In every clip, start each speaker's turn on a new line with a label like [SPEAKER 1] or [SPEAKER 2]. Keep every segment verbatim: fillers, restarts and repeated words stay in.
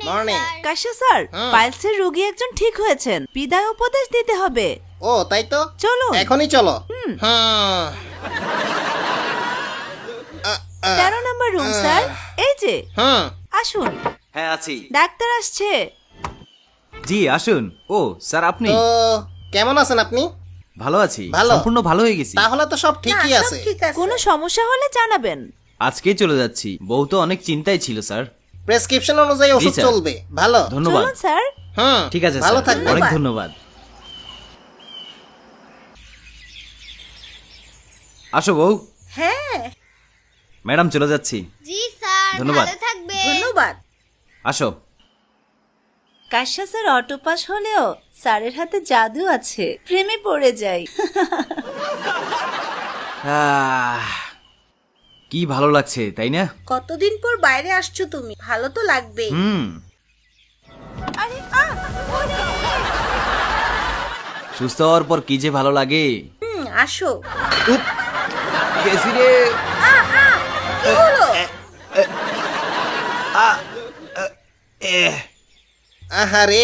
[SPEAKER 1] Morning.
[SPEAKER 2] কাশ্যা sir, পাইলসের রোগী একজন ঠিক হয়েছেন, বিদায় উপদেশ দিতে হবে।
[SPEAKER 1] ও তাই তো,
[SPEAKER 2] চলো
[SPEAKER 1] এখনই চলো। হুম
[SPEAKER 2] তেরো নম্বর রুম স্যার, এই যে
[SPEAKER 1] হুম
[SPEAKER 2] আসুন।
[SPEAKER 3] হ্যাঁ আছি।
[SPEAKER 2] ডাক্তার আসছে।
[SPEAKER 3] জি আসুন। ও স্যার আপনি?
[SPEAKER 1] তো কেমন আছেন আপনি?
[SPEAKER 3] ভালো আছি,
[SPEAKER 1] ভালো?
[SPEAKER 3] সম্পূর্ণ ভালো হয়ে গেছি।
[SPEAKER 1] তাহলে তো সব ঠিকই আছে।
[SPEAKER 2] কোনো সমস্যা হলে জানাবেন।
[SPEAKER 3] আজকেই চলে যাচ্ছি। বউ তো অনেক চিন্তায় ছিল স্যার।
[SPEAKER 1] প্রেসক্রিপশন অনুযায়ী ওষুধ
[SPEAKER 3] স্যার।
[SPEAKER 1] চলবে। ভালো।
[SPEAKER 3] ধন্যবাদ।
[SPEAKER 2] চলুন স্যার।
[SPEAKER 1] হুম
[SPEAKER 3] ঠিক আছে
[SPEAKER 1] ভালো
[SPEAKER 3] স্যার,
[SPEAKER 1] থাকবেন।
[SPEAKER 3] অনেক ধন্যবাদ। আসো বউ।
[SPEAKER 2] হ্যাঁ
[SPEAKER 3] ম্যাডাম চলে যাচ্ছি।
[SPEAKER 4] জি স্যার,
[SPEAKER 3] ধন্যবাদ।
[SPEAKER 4] ভালো থাকবেন।
[SPEAKER 2] ধন্যবাদ।
[SPEAKER 3] আসো।
[SPEAKER 2] কাশ্যা স্যার অটো পাস হলেও স্যারের হাতে জাদু আছে, প্রেমে পড়ে যাই।
[SPEAKER 3] আহ, কি ভালো লাগছে তাই না?
[SPEAKER 5] কতদিন পর বাইরে আসছো তুমি, ভালো তো লাগবে।
[SPEAKER 3] হুম
[SPEAKER 2] আরে আ ওরে!
[SPEAKER 3] সুস্থ হওয়ার পর কি যে ভালো লাগে।
[SPEAKER 5] হুম আসো।
[SPEAKER 3] উপ, গেছি রে।
[SPEAKER 5] কি হলো?
[SPEAKER 3] এহ,
[SPEAKER 1] আহারে,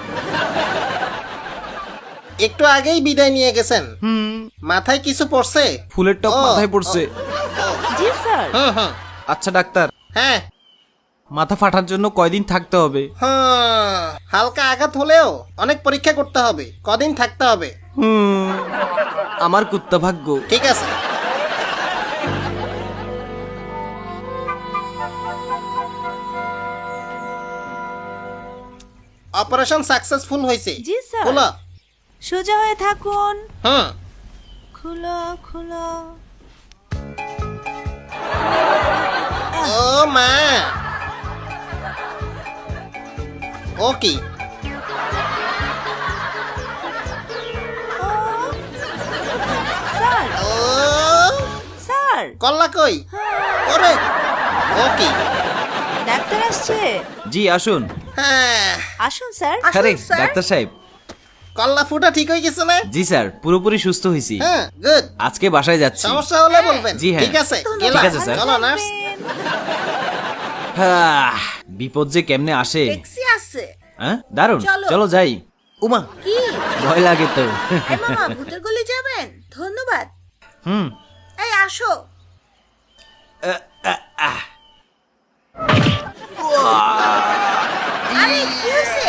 [SPEAKER 1] একটু আগেই বিদায় নিয়ে গেছেন।
[SPEAKER 3] হুম
[SPEAKER 1] মাথায় কিছু পড়ছে?
[SPEAKER 3] ফুলের টপ
[SPEAKER 1] ও,
[SPEAKER 3] মাথায় পড়ছে।
[SPEAKER 2] জি স্যার।
[SPEAKER 1] হুম হুম
[SPEAKER 3] আচ্ছা ডাক্তার,
[SPEAKER 1] হ্যাঁ
[SPEAKER 3] মাথা ফাটার জন্য কয়দিন থাকতে হবে?
[SPEAKER 1] হ্যাঁ, হালকা আঘাত হলেও অনেক পরীক্ষা করতে হবে, কদিন থাকতে হবে।
[SPEAKER 3] হুম, আমার কুত্তা ভাগ্য।
[SPEAKER 1] ঠিক আছে। অপারেশন সাকসেসফুল হয়েছে।
[SPEAKER 2] জি স্যার।
[SPEAKER 1] খোলো।
[SPEAKER 2] সোজা হয়ে থাকুন।
[SPEAKER 1] হুম
[SPEAKER 2] খুলো খুলো।
[SPEAKER 1] ও মা, ও কি?
[SPEAKER 2] ও স্যার,
[SPEAKER 1] ও
[SPEAKER 2] স্যার
[SPEAKER 1] কল্লা কই? ওরে, ও কি?
[SPEAKER 2] ডাক্তার আসছে।
[SPEAKER 3] জি আসুন।
[SPEAKER 1] হ্যাঁ,
[SPEAKER 2] আসুন স্যার।
[SPEAKER 5] আসুন,
[SPEAKER 3] আরে
[SPEAKER 5] স্যার।
[SPEAKER 3] ডাক্তার সাহেব।
[SPEAKER 1] কল্লা ফুটা ঠিক হয়ে গেছে না?
[SPEAKER 3] জি স্যার, পুরোপুরি সুস্থ হয়েছি।
[SPEAKER 1] হ্যাঁ, গুড।
[SPEAKER 3] আজকে বাসায় যাচ্ছি।
[SPEAKER 1] সমস্যা হলে বলবেন।
[SPEAKER 3] জি, হ্যাঁ।
[SPEAKER 1] ঠিক আছে,
[SPEAKER 3] ঠিক
[SPEAKER 1] গেলাম।
[SPEAKER 3] আছে, স্যার।
[SPEAKER 1] চলো নার্স।
[SPEAKER 3] হাহ, বিপদ যে কেমনে আসে।
[SPEAKER 5] ট্যাক্সি আছে।
[SPEAKER 3] হ্যাঁ দারুন,
[SPEAKER 5] চলো।
[SPEAKER 3] চলো যাই। উমা,
[SPEAKER 5] কি?
[SPEAKER 3] ভয় লাগে তো।
[SPEAKER 5] এই মামা, ভূতের গলি যাবেন? ধন্যবাদ।
[SPEAKER 3] হুম
[SPEAKER 5] এই আসো। আরে কি হয়েছে?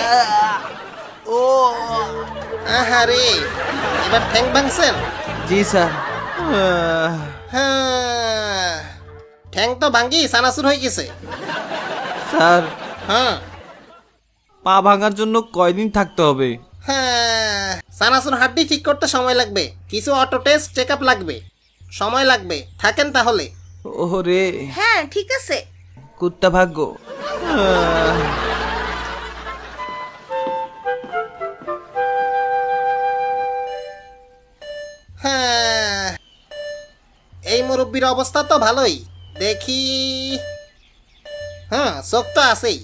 [SPEAKER 1] আহারে, এবার ঠ্যাং ভাঙছেন?
[SPEAKER 3] জি স্যার। আহ,
[SPEAKER 1] হ্যাঁ, ঠ্যাং তো ভাঙ্গি সানাসুর হয়ে গেছে।
[SPEAKER 3] স্যার,
[SPEAKER 1] হ্যাঁ
[SPEAKER 3] পা ভাঙার জন্য কয়দিন থাকতে হবে?
[SPEAKER 1] হ্যাঁ, সানাসুর হাড্ডি ঠিক করতে সময় লাগবে, কিছু অটো টেস্ট চেক আপ লাগবে, সময় লাগবে। থাকেন তাহলে।
[SPEAKER 3] ওরে
[SPEAKER 5] হ্যাঁ ঠিক আছে।
[SPEAKER 3] কুত্তা ভাগ্য। আহ,
[SPEAKER 1] হ্যাঁ, এই মুরব্বীর অবস্থা তো ভালোই দেখি। হ্যাঁ, চোখ তো আছেই।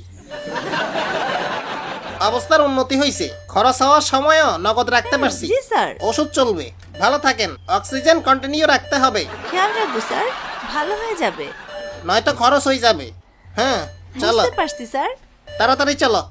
[SPEAKER 1] অবস্থার উন্নতি হয়েছে, খরচ হওয়ার সময়ও নগদ রাখতে পারছি।
[SPEAKER 2] জি স্যার।
[SPEAKER 1] ওষুধ চলবে। ভালো থাকেন, অক্সিজেন কন্টিনিউ রাখতে হবে,
[SPEAKER 2] খেয়াল রাখবো স্যার, ভালো হয়ে যাবে।
[SPEAKER 1] নয়তো খরচ হয়ে যাবে। হ্যাঁ চলো,
[SPEAKER 2] বুঝতে পারছি স্যার।
[SPEAKER 1] তাড়াতাড়ি চলো।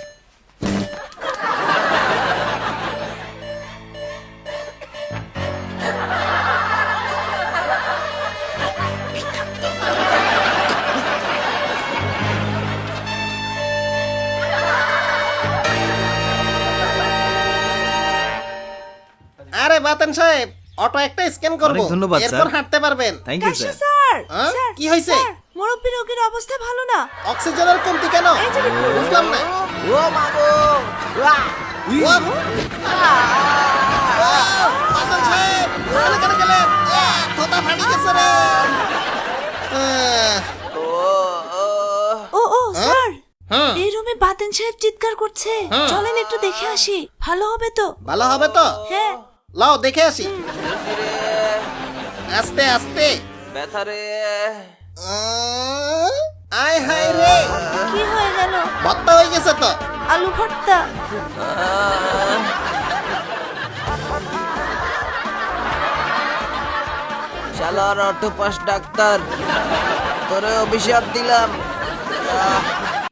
[SPEAKER 1] আরে বাতেন সাহেব, অটো একটা স্ক্যান করবো,
[SPEAKER 3] অনেক ধন্যবাদ, স্যার।
[SPEAKER 1] এরপর হাঁটতে পারবেন।
[SPEAKER 3] থ্যাংক ইউ
[SPEAKER 2] কাশ্যা
[SPEAKER 3] স্যার।
[SPEAKER 2] স্যার,
[SPEAKER 1] হ্যাঁ?
[SPEAKER 2] স্যার,
[SPEAKER 1] কি হয়েছে?
[SPEAKER 2] স্যার, মুরব্বী রোগীর অবস্থা ভালো না।
[SPEAKER 1] অক্সিজেনের কমতি কেন?
[SPEAKER 2] এই যে দেখুন।
[SPEAKER 1] বুঝলাম না। ও, বাতেন সাহেব, ওখানে কেন গেলেন? আহ, থোতা ফাটি গেছে রে। আহ,
[SPEAKER 2] ও ও স্যার,
[SPEAKER 1] হুম,
[SPEAKER 2] এই রুমে বাতেন সাহেব চিৎকার করছে।
[SPEAKER 1] হুম।
[SPEAKER 2] চলেন একটু দেখে আসি, ভালো হবে তো।
[SPEAKER 1] ভালো হবে তো?
[SPEAKER 2] হ্যাঁ।
[SPEAKER 1] লাও দেখে আসি। আস্তে আস্তে।
[SPEAKER 3] ব্যথারে।
[SPEAKER 1] আহ, আয় হায় রে,
[SPEAKER 2] কি হয়ে গেল?
[SPEAKER 1] ভর্তা হয়ে গেছে তো।
[SPEAKER 2] আলু ভর্তা।
[SPEAKER 3] শালার অটোপাস ডাক্তার, তোরে অভিশাপ দিলাম।